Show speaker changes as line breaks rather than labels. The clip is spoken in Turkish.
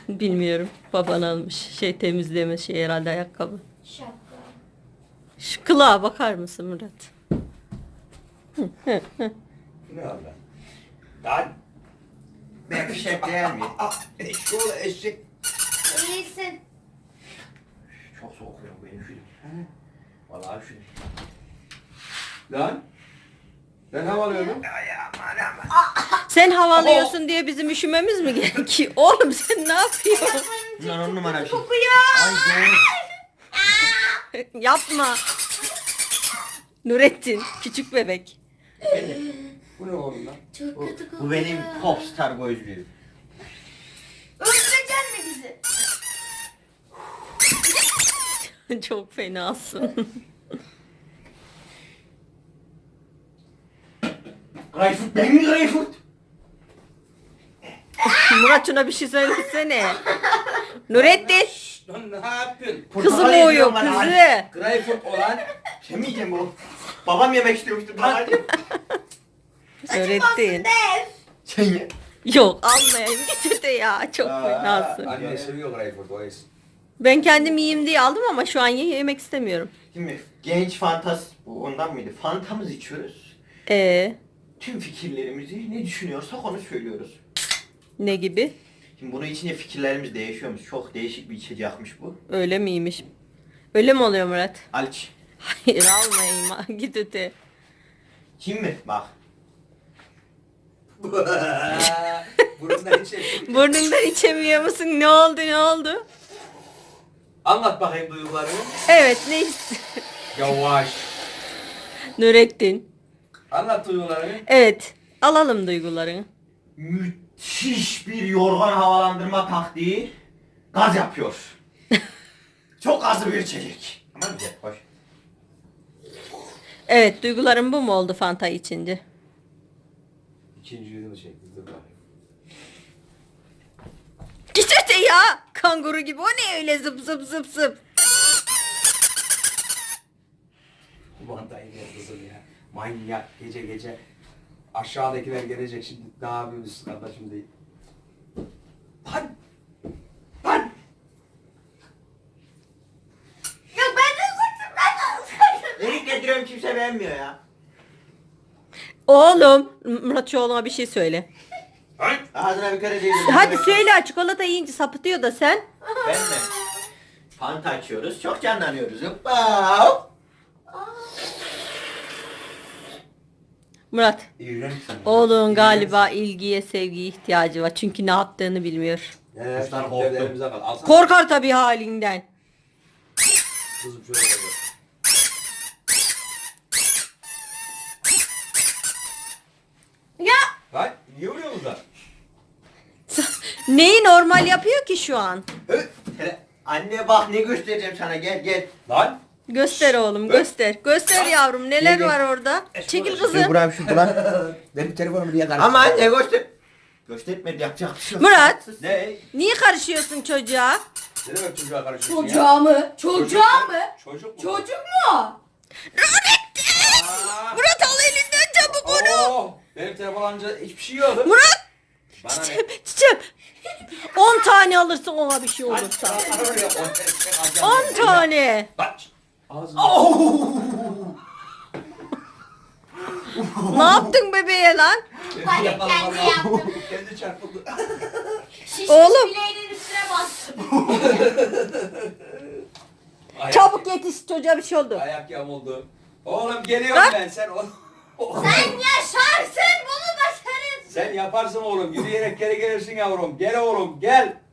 Bilmiyorum. Baban almış. Şey temizleme şey herhalde ayakkabı.
Şapka.
Şu kılığa bakar mısın Murat?
Ne oldu? Lan.
Ben fişek değil mi?
Eşek oğlu eşek.
İyisin.
Çok soğuk ya benim film. Vallahi film. Lan. Ben havalıyordum.
Sen havalıyorsun diye bizim üşümemiz mi gerekiyor? Oğlum sen ne yapıyorsun?
Bunlar 10 numara bir şey.
Kokuyor.
Ay doğru.
Yapma. Nurettin küçük bebek.
Bu ne oğlum lan?
Çok kötü kokuyor.
Bu benim popstar gözlüğüm.
Öldüreceksin mi bizi?
Çok fenasın.
Greyfurt benim Greyfurt.
Murat şuna bir şey söylesene. Nurettin.
Lan ne yapıyorsun?
Kızı boğuyor kızı.
Greyfurt olan
Yemeyeceğim oğlum. Babam yemek istiyormuştu. Babacığım.
Nurettin.
Dev.
Sen ye.
Yok almayayım getir de ya. Çok fenasın.
Anne seviyor Greyfurt o es.
Ben kendim yiyeyim diye aldım ama şu an yemek istemiyorum.
Şimdi genç fantaz bu ondan mıydı? Fantamız içiyoruz.
Tüm
Fikirlerimizi ne düşünüyorsak onu söylüyoruz.
ne gibi?
Şimdi bunun içinde fikirlerimiz değişiyormuş. Çok değişik bir içecekmiş bu.
Öyle miymiş? Öyle mi oluyor Murat?
Aliç.
Hayır almayayım ha. Git öte.
Kim mi? Bak.
Burundan içecek.
Burnundan içemiyor musun? Ne oldu ne oldu?
Anlat bakayım duygularını.
Evet ne
Yavaş.
Nurettin.
Anlat duygularını.
Evet alalım duygularını.
Müthiş bir yorgan havalandırma taktiği. Gaz yapıyor. Çok gazlı bir içecek. Ama güzel, hoş.
Evet duygularım bu mu oldu Fanta içince?
İkinci yüzünü çekti. Dur bakayım.
Git öte ya. Kanguru gibi o ne öyle zıp zıp zıp zıp.
Bu mantayı ver kızım ya. Manyak gece gece. Aşağıdakiler gelecek şimdi. Ne yapıyorsunuz kardeşim değil. Lan! Lan!
Yok ben de ıslaktım. Ben de ıslaktım.
Erik getiriyorum kimse beğenmiyor ya.
Oğlum Murat şu oğluma bir şey söyle.
Lan!
Ağzına bir kere değil.
Hadi söyle çikolata yiyince sapıtıyor da sen.
Ben mi? Fanta açıyoruz. Çok canlanıyoruz. Hoppa.
Murat
İğrenç sen.
oğlun galiba ilgiye sevgiye ihtiyacı var. Çünkü ne yaptığını bilmiyor.
Kuşlar korktu. Elimize kal. Alsana.
Korkar tabii halinden.
Kızım şöyle gel.
Ya.
Lan niye vuruyorsunuz lan?
Neyi normal yapıyor ki şu an?
Anne bak ne göstereceğim sana gel gel.
Lan!
Göster oğlum göster. Göster yavrum neler
Gel.
var orada. Çekil kızım.
Buram şu buram.
Benim telefonumu niye
Ama anne göster. Göstermedi yapacak bir şey yok.
Murat
Ne?
niye karışıyorsun çocuğa?
Ne demek çocuğa karışıyorsun ya?
Çocuğa mı? Çocuğa mı?
Çocuk mu?
Çocuk mu?
Nurettin!
Aa!
Murat al elinden çabuk onu.
Benim telefon alınca hiçbir şey yok.
Murat!
Bana ne?
Çiçeğim. 10 tane alırsın ona bir şey olursa. 10 tane.
Bak. Ağzını.
Ne yaptın bebeğe lan?
Panik kendi yaptım.
Kendi çarpıldı.
Şişmiş
Oğlum.
bileğinin üstüne bastım.
Ayak-
Çabuk yetiş çocuğa bir şey oldu.
Ayak yamuldu. Oğlum geliyorum
Lan.
ben sen o.
Sen yaşarsın bunu başarırsın.
Sen yaparsın oğlum. Yürüyerek geri gelirsin yavrum. Gel oğlum gel.